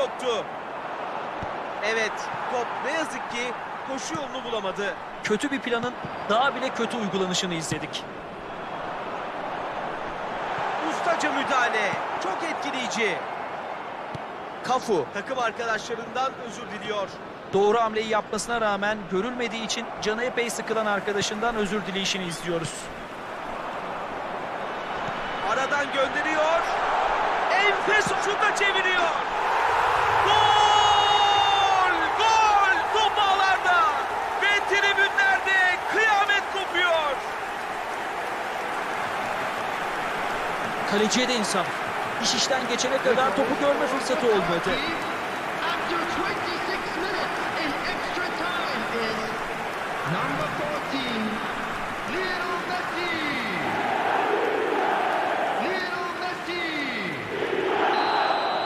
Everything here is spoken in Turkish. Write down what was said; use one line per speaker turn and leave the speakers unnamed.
soktu. Evet, top ne yazık ki koşu yolunu bulamadı.
Kötü bir planın daha bile kötü uygulanışını izledik.
Ustaca müdahale. Çok etkileyici. Cafu takım arkadaşlarından özür diliyor.
Doğru hamleyi yapmasına rağmen görülmediği için canı epey sıkılan arkadaşından özür dileyişini izliyoruz.
Aradan gönderiyor. Enfes ucunda çeviriyor. Gol! Gol! Top ağlarda. Ve tribünlerde kıyamet kopuyor.
Kaleciye de insaf. İş işten geçene kadar topu görme fırsatı olmadı.
After 26 minutes in extra time is number 14, Lionel Messi.